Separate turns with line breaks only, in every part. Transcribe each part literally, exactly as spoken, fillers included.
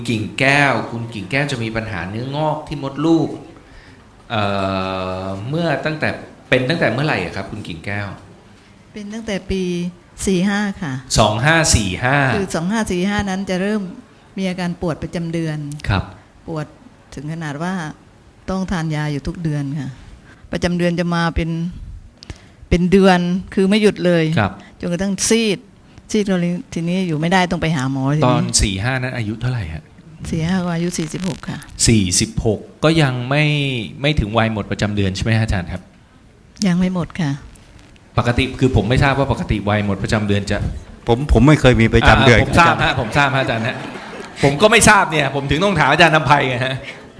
กิ่งแก้วคุณกิ่งแก้วจะมีปัญหาเนื้องอกที่มดลูกเอ่อเมื่อตั้งแต่เป็นตั้งแต่เมื่อไหร่อะครับคุณกิ่งแก้ว
เป็นตั้งแต่ปีสี่ห้าค่ะ
สองห้าสี่ห้า
คือสองห้าสี่ห้านั้นจะเริ่มมีอาการปวดประจำเดือน
ครับ
ปวดถึงขนาดว่าต้องทานยาอยู่ทุกเดือนค่ะประจำเดือนจะมาเป็นเป็นเดือนคือไม่หยุดเลยจนกระทั่งซีดซีดทีนี้อยู่ไม่ได้ต้องไปหาหมอ
ตอนสี่ห้านั้นอายุเท่าไหร่ฮะ
สี่ห้าก็อายุสี่สิบหกค่ะ
สี่สิบหกก็ยังไม่ไม่ถึงวัยหมดประจำเดือนใช่ไหมอาจารย์ครับ
ยังไม่หมดค่ะ
ปกติคือผมไม่ทราบว่าปกติวัยหมดประจำเดือนจะ
ผมผมไม่เคยมีประจำเดือน
ผมทราบฮะผมทราบฮะอาจารย์ฮะผมก็ไม่ทราบเนี่ยผมถึงต้องถามอาจารย์นำไพไงฮะ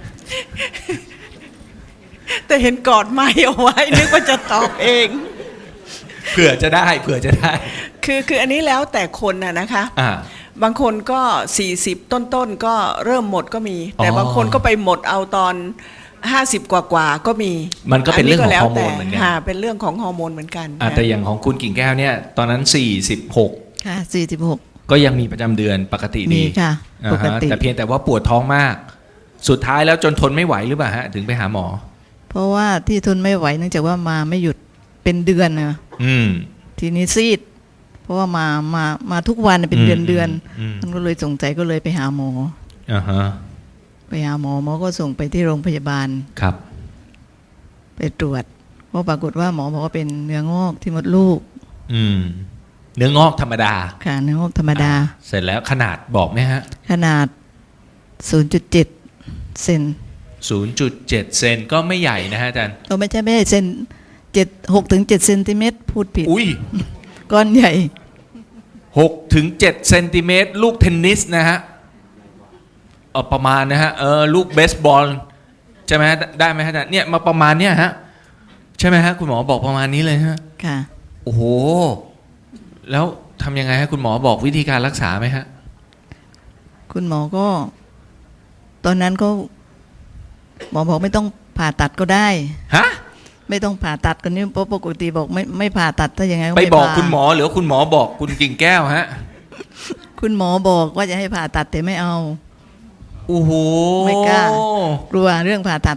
แต่เห็นกอดไม่เอาไว้นึกว่าจะตอบเอง
เผื่อจะได้เผื่อจะได้
คือคืออันนี้แล้วแต่คนน่ะนะคะบางคนก็สี่สิบต้นๆก็เริ่มหมดก็มีแต่บางคนก็ไปหมดเอาตอนห้าสิบกว่าๆก็มี
มันก็เป็นเรื่องของฮอร์โมนเหมือนกัน
เป็นเรื่องของฮอร์โมนเหมือนกัน
แต่อย่างของคุณกิ่งแก้วเนี่ยตอนนั้นสี่สิบหก
ค่ะสี่สิบหก
ก็ยังมีประจำเดือนปกติดี
มีค่ะปกติ
แต่เพียงแต่ว่าปวดท้องมากสุดท้ายแล้วจนทนไม่ไหวหรือเปล่าฮะถึงไปหาหมอ
เพราะว่าที่ทนไม่ไหวเนื่องจากว่ามาไม่หยุดเป็นเดือนนะ
อืม
ทีนี้ซีดเพราะว่ามามามาทุกวันเป็นเดือนเดือนมันก็เลยสงสัยก็เลยไปหาหมอ
อ่าฮะ
ไปหาหมอหมอก็ส่งไปที่โรงพยาบาล
ครับ
ไปตรวจก็ปรากฏว่าหมอบอกว่าเป็นเนื้องอกที่มดลูก
อืมเนื้องอกธรรมดา
ค่ะเนื้องอกธรรมดา
เสร็จแล้วขนาดบอกไหมฮะ
ขนาด ศูนย์จุดเจ็ด เซน
ศูนย์จุดเจ็ด เซนก็ไม่ใหญ่นะฮะอาจารย์
ก็ไม่ใช่ไม่ใช่เซนเจ็ด หกถึงเจ็ดเซนติเมตรพูดผิด
อุ้ย
ก้อนใหญ่
หกถึงเจ็ดเซนติเมตรลูกเทนนิสนะฮะเออประมาณนะฮะเออลูกเบสบอลใช่ไหมฮะได้ไหมฮะเนี่ยมาประมาณเนี้ยฮะใช่ไหมฮะคุณหมอบอกประมาณนี้เลยฮะ
ค่ะ
โอ้โหแล้วทำยังไงฮะคุณหมอบอกวิธีการรักษาไหมฮะ
คุณหมอก็ตอนนั้นก็หมอบอกไม่ต้องผ่าตัดก็ได้
ฮะ
ไม่ต้องผ่าตัดกันนี่เพราะปกติบอกไม่ไม่ผ่าตัดถ้าอย่างไง
ไปบอกคุณหมอหรือคุณหมอบอกคุณกิ่งแก้วฮะ
คุณหมอบอกว่าจะให้ผ่าตัดแต่ไม่เอา
โอ้โห
ไม่กล้ากลัวเรื่องผ่าตัด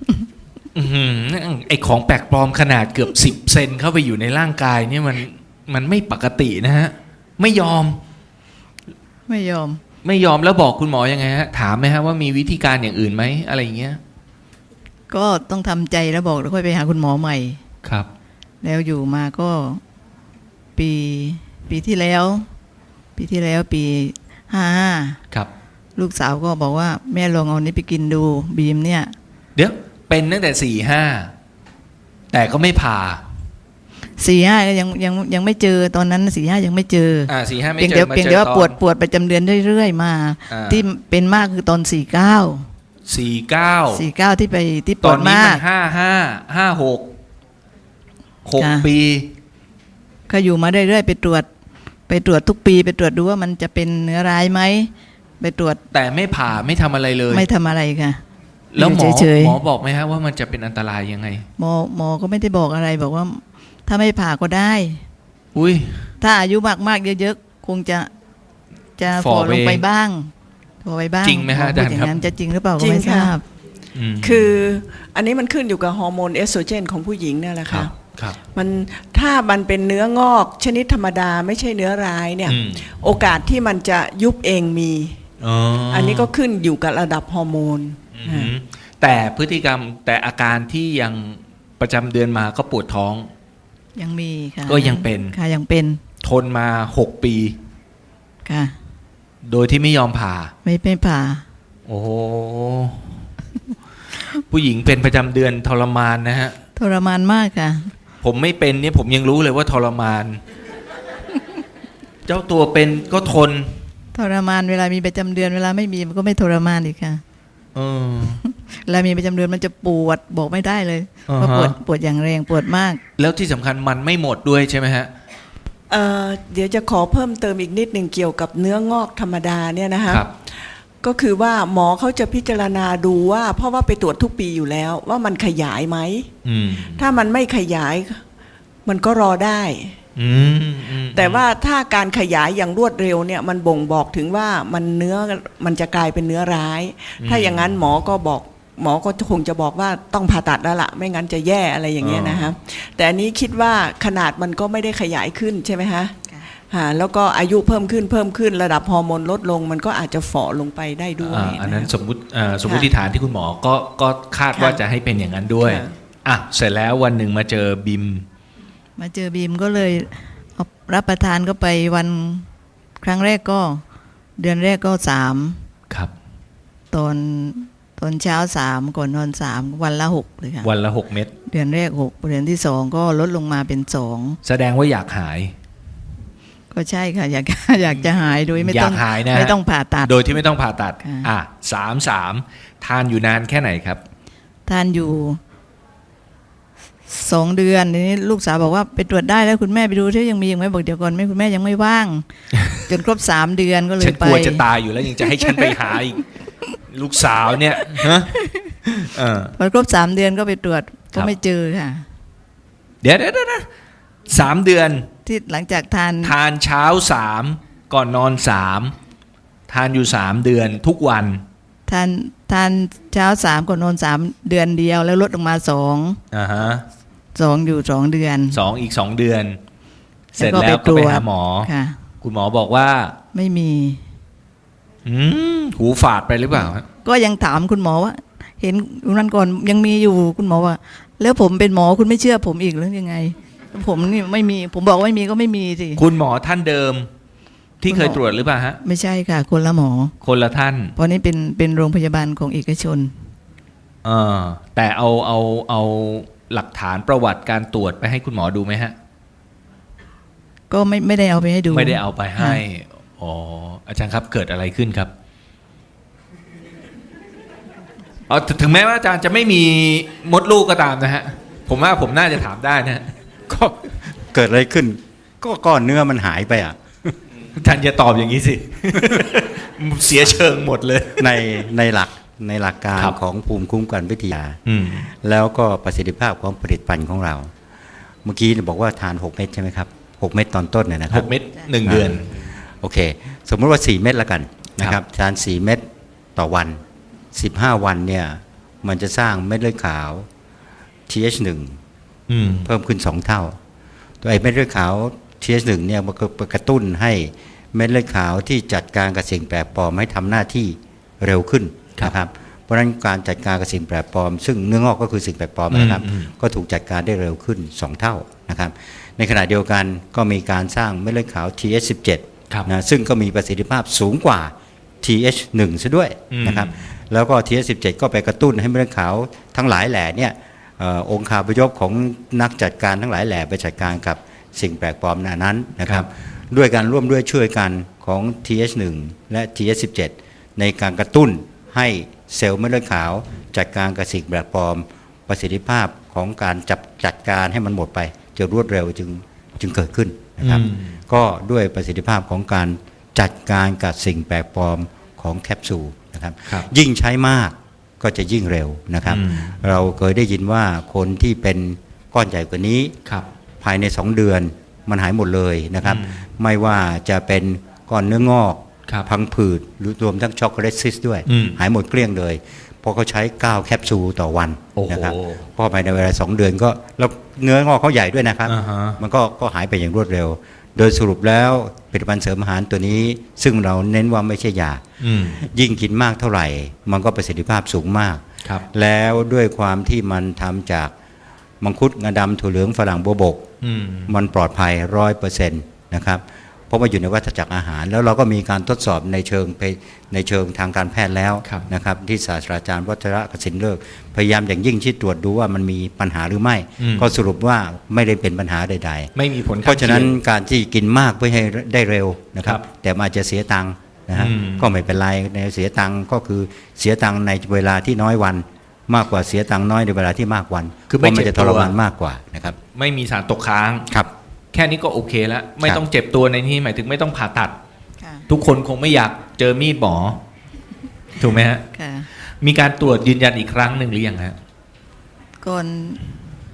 ไอของแปลกปลอมขนาดเกือบสิบเซนเข้าไปอยู่ในร่างกายเนี่ยมันมันไม่ปกตินะฮะไม่ยอม
ไม่ยอม
ไม่ยอมแล้วบอกคุณหมอยังไงฮะถามไหมฮะว่ามีวิธีการอย่างอื่นไหมอะไรอย่างเงี้ย
ก็ต้องทำใจแล้วบอกแล้วค่อยไปหาคุณหมอใหม่
ครับ
แล้วอยู่มาก็ปีปีที่แล้วปีที่แล้วปีห้าห้า
ครับ
ลูกสาวก็บอกว่าแม่ลองเอานี้ไปกินดูบีมเนี่ย
เดี๋ยวเป็นตั้งแต่สี่ห้าแต่ก็ไม่ผ่า
สี่ห้าก็ยังยังยังไม่เจอตอนนั้นสี่ห้ายังไม่เจอ
อ่าสี่ห้าไม่เจอ
เพียงเดียวเพียงเดียวว่าปวดปวดประจำเดือนเรื่อยๆมาที่เป็นมากคือตอนสี่เก้า
สี่เก้า
สี่เก้าที่ไปที่ปวดมาก
ห้าห้าห้าหกหกปี
ก็อยู่มาเรื่อยๆไปตรวจไปตรวจทุกปีไปตรวจดูว่ามันจะเป็นเนื้อร้ายไหมไปตรวจ
แต่ไม่ผ่าไม่ทำอะไรเลย
ไม่ทำอะไรค่ะ
แล้วหมอหมอบอกไหมฮะว่ามันจะเป็นอันตรายยังไง
หมอหมอก็ไม่ได้บอกอะไรบอกว่าถ้าไม่ผ่าก็ได้
อุ้ย
ถ้าอายุมากๆเยอะๆคงจะจะฝ่อลงไปบ้างฝ่อไปบ้าง
จริงไหมฮะอาจารย์ครับ
จะจริงหรือเปล่าก็ไม่ทราบ
คืออันนี้มันขึ้นอยู่กับฮอร์โมนเอสโตรเจนของผู้หญิงเนี่ยแหละค่ะมันถ้ามันเป็นเนื้องอกชนิดธรรมดาไม่ใช่เนื้อร้ายเนี่ยโอกาสที่มันจะยุบเองมีอันนี้ก็ขึ้นอยู่กับระดับฮอร์โมน
แต่พฤติกรรมแต่อาการที่ยังประจำเดือนมาก็ปวดท้อง
ยังมีค่ะ
ก็ยังเป็น
ค่ะยังเป็น
ทนมาหกปี
ค่ะ
โดยที่ไม่ยอมผ่า
ไม่ไม่ผ่า
โอ้ผู้หญิงเป็นประจำเดือนทรมานนะฮะ
ทรมานมากค่ะ
ผมไม่เป็นเนี่ยผมยังรู้เลยว่าทรมานเจ้าตัวเป็นก็ทน
ทรมานเวลามีประจำเดือนเวลาไม่มีมันก็ไม่ทรมานอีกค่ะ
เออ
เวลามีประจำเดือนมันจะปวดบอกไม่ได้เลยว่าปวดปวดอย่างแรงปวดมาก
แล้วที่สำคัญมันไม่หมดด้วยใช่ไหมฮะ
เอ่อเดี๋ยวจะขอเพิ่มเติมอีกนิดหนึ่งเกี่ยวกับเนื้องอกธรรมดาเนี่ยนะคะก็คือว่าหมอเขาจะพิจารณาดูว่าเพราะว่าไปตรวจทุกปีอยู่แล้วว่ามันขยายไหมถ้ามันไม่ขยายมันก็รอได้
อืมอืม
แต่ว่าถ้าการขยายอย่างรวดเร็วเนี่ยมันบ่งบอกถึงว่ามันเนื้อมันจะกลายเป็นเนื้อร้าย ถ้าอย่างนั้นหมอก็บอกหมอก็คงจะบอกว่าต้องผ่าตัดแล้วล่ะไม่งั้นจะแย่อะไรอย่างเงี้ยนะฮะแต่อันนี้คิดว่าขนาดมันก็ไม่ได้ขยายขึ้นใช่ไหมฮะฮะแล้วก็อายุเพิ่มขึ้นเพิ่มขึ้นระดับฮอร์โมนลดลงมันก็อาจจะฝ่อลงไปได้ด้วย
อ่าอันนั้น
ะ
สมมุติอ่าสมมติฐานที่คุณหมอก็ก็คาดว่าจะให้เป็นอย่างนั้นด้วย
ค่ะ
อ่ะเสร็จแล้ววันหนึ่งมาเจอบิม
มาเจอบีมก็เลยเอารับประทานก็ไปวันครั้งแรกก็ เดือนแรกก็สาม
ครับ
ตอนตอนเช้าสามก่อนนอนสามวันละหกเลยค่ะ
วันละหกเม็ด
เดือนแรกหกเดือนที่สองก็ลดลงมาเป็นสอง
แสดงว่าอยากหาย
ก็ใช่ค่ะ อยาก อยากจะหายโดยไม่ต้อง
อยากหายนะฮะ
ไม่ต้องผ่าตัด
โดยที่ไม่ต้องผ่าตัด
ค่ะ
อ่ะสามสามทานอยู่นานแค่ไหนครับ
ทานอยู่สองเดือนทีนี้ลูกสาวบอกว่าไปตรวจได้แล้วคุณแม่ไปดูที่ยังมียังไหมบอกเดี๋ยวก่อนแม่คุณแม่ยังไม่ว่าง จนครบสามเดือนก็เล
ฉั
ย
น
ไป
กลัวจะตายอยู่แล้วยังจะให้ฉันไปหาอีก ลูกสาวเนี่ยฮะเออ
พอครบสามเดือนก็ไปตรวจ
ครั
ก็
บ
ไม่เจอค่ะ
เดี๋ยวเดี๋ยวเดี๋ยวเดี๋ยวสามเดือน
ที่หลังจากทาน
ทานเช้าสามก่อนนอนสามทานอยู่สามเดือนทุกวัน
ทานทานเช้าสามก่อนนอนสามเดือนเดียวแล้วลดลงมาสอง
อ่าฮะ
สองอยู่สองเดือน
สองอีกสองเดือน เสร็จ
แล้ว
แล้ว
ก็
ก็
ไป
ไป
ตรวจ
หาหมอ
ค่ะ
คุณหมอบอกว่า
ไม่มี
อืมหูฝาดไปหรือเปล่าฮะ
ก็ยังถามคุณหมอว่า เห็นวันก่อนยังมีอยู่คุณหมอว่า แล้วผมเป็นหมอคุณไม่เชื่อผมอีกหรือยังไง ผมนี่ไม่มี ผมบอกว่าไม่มีก็ไม่มีสิ
คุณหมอท่านเดิม ที่
คุณหมอ
เคยตรวจหรือเปล่าฮะ
ไม่ใช่ค่ะ คนละหมอ
คนละท่าน
เพราะนี่เป็นเป็นโรงพยาบาลของเอกชน
เออแต่เอาเอาเอาหลักฐานประวัติการตรวจไปให้คุณหมอดูไหมฮะ
ก็ไม่ไม่ได้เอาไปให้ดู
ไม่ได้เอาไปให้
ค่ะ
อ๋ออาจารย์ครับเกิดอะไรขึ้นครับเอาถถึงแม้ว่าอาจารย์จะไม่มีมดลูกก็ตามนะฮะ ผมว่าผมน่าจะถามได้นะฮะ
ก็เกิดอะไรขึ้น ก็ก้อนเนื้อมันหายไปอ่ะ
อาจารย์อย่าตอบอย่างนี้สิ เสียเชิงหมดเลย
ในในหลักในหลักการ
ครับ
ของภูมิคุ้มกันวิทยา
อืม
แล้วก็ประสิทธิภาพของผลิตภัณฑ์ของเรา เมื่อกี้บอกว่าทานหกเม็ดใช่ไหมครับหกเม็ดตอนต้นเนี่ยนะค
ห
รับ
กเม็ดหนึ่งเดือน
โอเค สมมติว่าสี่เม็ดละกันนะครับทานสี่เม็ดต่อวันสิบห้าวันเนี่ยมันจะสร้างเม็ดเลือดขาว ที เอช หนึ่ง
อืม
เพิ่มขึ้นสองเท่า ตัวไอ้เม็ดเลือดขาว ที เอช หนึ่ง เนี่ยมันก็กระตุ้นให้เม็ดเลือดขาวที่จัดการกับสิ่งแปลกปลอมให้ทำหน้าที่เร็วขึ้นนะครับ เพราะฉะนั้นการจัดการกับสิ่งแปลกปลอม ซึ่งเนื้องอกก็คือสิ่งแปลกปลอมนะครับ
อืมอืม
ก็ถูกจัดการได้เร็วขึ้นสองเท่านะครับ ในขณะเดียวกันก็มีการสร้างเม็ดเลือดขาว ที เอช สิบเจ็ด
ครับ
นะซึ่งก็มีประสิทธิภาพสูงกว่า ที เอช หนึ่ง ซะด้วย
อืม
นะครับ แล้วก็ ที เอช สิบเจ็ด ก็ไปกระตุ้นให้เม็ดเลือดขาวทั้งหลายแหล่เนี่ยเออองค์คาพยพของนักจัดการทั้งหลายแหล่ไปจัดการกับสิ่งแปลกปลอมนั้นนะครับ ด้วยการร่วมด้วยช่วยกันของ ที เอช หนึ่ง และ ที เอช สิบเจ็ด ในการกระตุ้นให้เซลล์เม็ดเลือดขาว จัดการกับสิ่งแปลกปลอม ประสิทธิภาพของการจับจัดการให้มันหมดไปจะรวดเร็วจึงจึงเกิดขึ้นนะครับ
อืม
ก็ด้วยประสิทธิภาพของการจัดการกับสิ่งแปลกปลอมของแคปซูลนะครับ
ครับ
ยิ่งใช้มากก็จะยิ่งเร็วนะครับ
อืม
เราเคยได้ยินว่าคนที่เป็นก้อนใหญ่กว่านี้
ครับ
ภายในสองเดือนมันหายหมดเลยนะครับ
อืม
ไม่ว่าจะเป็นก้อนเนื้องอก
ครับ
พังผืดหรือรวมทั้งช็อกโกแลตซิสด้วย
อืม
หายหมดเกลี้ยงเลยเพราะเขาใช้เก้าแคปซูลต่อวัน
โอ้โห
นะครับเพราะภายในเวลาสองเดือนก็แล้วเนื้องอกเขาใหญ่ด้วยนะครับ
อ่าฮะ
มันก็ก็หายไปอย่างรวดเร็ว โดยสรุปแล้วผลิตภัณฑ์เสริมอาหารตัวนี้ ซึ่งเราเน้นว่าไม่ใช่ยา
อืม
ยิ่งกินมากเท่าไหร่ มันก็ประสิทธิภาพสูงมาก
ครับ
แล้วด้วยความที่มันทำจากมังคุดงาดำถั่วเหลืองฝรั่งบัวบก
อืม
มันปลอดภัยร้อยเปอร์เซ็นต์นะครับเพราะว่าอยู่ในวัฏจักรอาหาร แล้วเราก็มีการทดสอบในเชิงไปในเชิงทางการแพทย์แล้ว
ครับ
นะครับที่ศาสตราจารย์วัชระกสินเลิกษ์พยายามอย่างยิ่งที่ตรวจดูว่ามันมีปัญหาหรือไม่
อืม
ก็สรุปว่าไม่ได้เป็นปัญหาใด
ไม่มีผล
ๆ
ข้ง
เพราะฉะนั้น
คียง
การที่กินมากเพื่อให้ได้เร็วนะครับ
ครับ
แต่มันอาจจะเสียตังค์นะฮะ
อืม
ก็ไม่เป็นไรในเสียตังค์ก็คือเสียตังค์ในเวลาที่น้อยวัน มากกว่าเสียตังค์น้อยในเวลาที่มากวัน
คือไม่
เพราะมัน
เจ็
จะ
บ
ท
ตัว
รมานมากกว่านะครับ
ไม่มีสารตกค้าง
ครับ
แค่นี้ก็โอเคแล้ว ไม่
ครับ
ต้องเจ็บตัวในที่หมายถึงไม่ต้องผ่าตัด
ค่ะ
ทุกคนคงไม่อยากเจอมีดหมอ ถูกไหมฮะ
ค่ะ
มีการตรวจยืนยันอีกครั้งหนึ่งหรือยังฮะ
ก่อน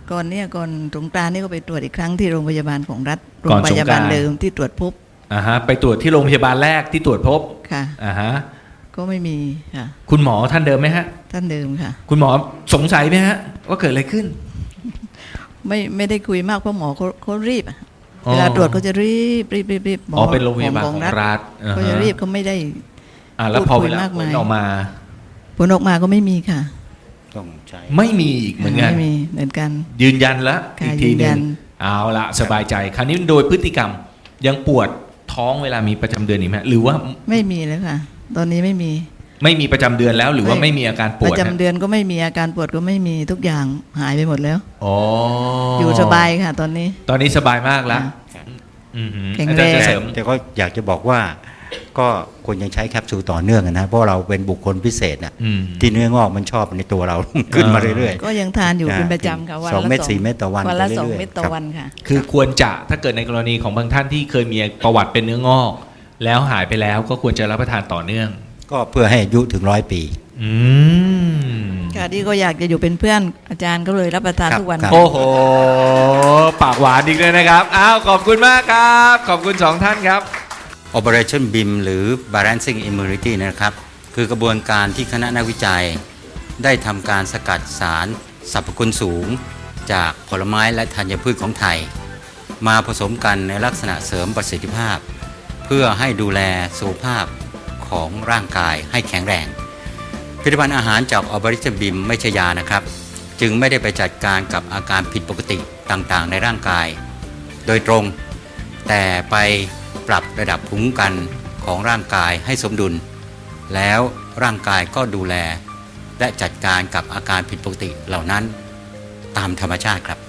ก่อนเนี่ยก่อนสงกรานต์นี่ก็ไปตรวจอีกครั้งที่โรงพยาบาลของรัฐโร
ก่อง น
พ
สงกรานต์
ยาบาลเดิมที่ตรวจพบ
อ่าฮะไปตรวจที่โรงพยาบาลแรกที่ตรวจพบ
ค่ะ
อ่าฮะ
ก็ไม่มีค่ะ
คุณหมอท่านเดิมไหมฮะ
ท่านเดิมค่ะ
คุณหมอสงสัยไหมฮะว่าเกิดอะไรขึ้น
ไม่ไม่ได้คุยมากเพราะหมอเขาเขารีบอะ
อ๋อ
เวลาตรวจเขาจะรีบรีบรีบรีบหม
อ๋อเป็นโรงพยาบาลของรัฐอ่า
เขา
ฮะ
จะรีบเขาไม่ได้
อ่าแล้วพอ
พูดคุ
เวย ลาม
าก
ผ
มา
ล
ย
ออกมา
ผลออกมาก็ไม่มีค่ะ
ต้องใช้
ไม่มีอีกเหมือนกัน
ไม่มีเหมือนกัน
ยืนยันแล้ว
ค่ะ
อีกทีห
ยืน
นึ
ยั
ง
น
เอาละสบายใจ คราวนี้โดยพฤติกรรมยังปวดท้องเวลามีประจำเดือนอีกไหมหรือว่า
ไม่มีแล้วค่ะ ตอนนี้ไม่มี
ไม่มีประจำเดือนแล้ว หรือว่า
ไม่
ไม่มีอาการป
ป
วด
ระจำ
ฮะ
เดือนก็ไม่มีอาการปวดก็ไม่มีทุกอย่างหายไปหมดแล้ว
อ๋อ
อ
อยู่
สบายค่ะ ตอนนี้
ตอนนี้สบายมากแล้ว
ค่ะ
อือหือ
แข็ง
อา
แร
จารย์
ง
จะ
แต่
เสริม
แต่ก็อยากจะบอกว่าก็ควรยังใช้แคปซูลต่อเนื่องนะเพราะเราเป็นบุคคลพิเศษนะ
อืม
ที่เนื้องอกมันชอบในตัวเรา ขึ้นมาเรื่อย
ก็ยังทานอยู่
นะ
เป็นประจำค่ะวัน
สอง
ละ
เม็ดสี่เม็ดต่อวัน
วันละ
ไปเรื่อยๆ
สองเม็ดต่อ
ครับ
วันค่ะ
คือควรจะถ้าเกิดในกรณีของบางท่านที่เคยมีประวัติเป็นเนื้องอก แล้วหายไปแล้วก็ควรจะรับประทานต่อเนื่อง
ๆ ก็เพื่อให้อายุถึงร้อยปี
อืม
ค่ะที่ก็อยากจะอยู่เป็นเพื่อนอาจารย์ก็เลยรับประทาน
ครับ
ทุกวัน
ครับ
โอ้โห ปากหวานอีกเลยนะครับ อ้าว ขอบคุณมากครับ ขอบคุณสองท่านครับ
Operation บี เอ็ม หรือ Balancing Immunity นะครับ คือกระบวนการที่คณะนักวิจัย ได้ทำการสกัดสารสรรพคุณสูง จากผลไม้และธัญพืชของไทย มาผสมกันในลักษณะเสริมประสิทธิภาพ เพื่อให้ดูแลสุขภาพของร่างกายให้แข็งแรง ผลิตภัณฑ์อาหารจาก Operation บี เอ็ม ไม่ใช่ยานะครับ จึงไม่ได้ไปจัดการกับอาการผิดปกติต่างๆ ในร่างกาย โดยตรง แต่ไปปรับระดับภูมิคุ้มกันของร่างกายให้สมดุล แล้วร่างกายก็ดูแล และจัดการกับอาการผิดปกติเหล่านั้นตามธรรมชาติครับ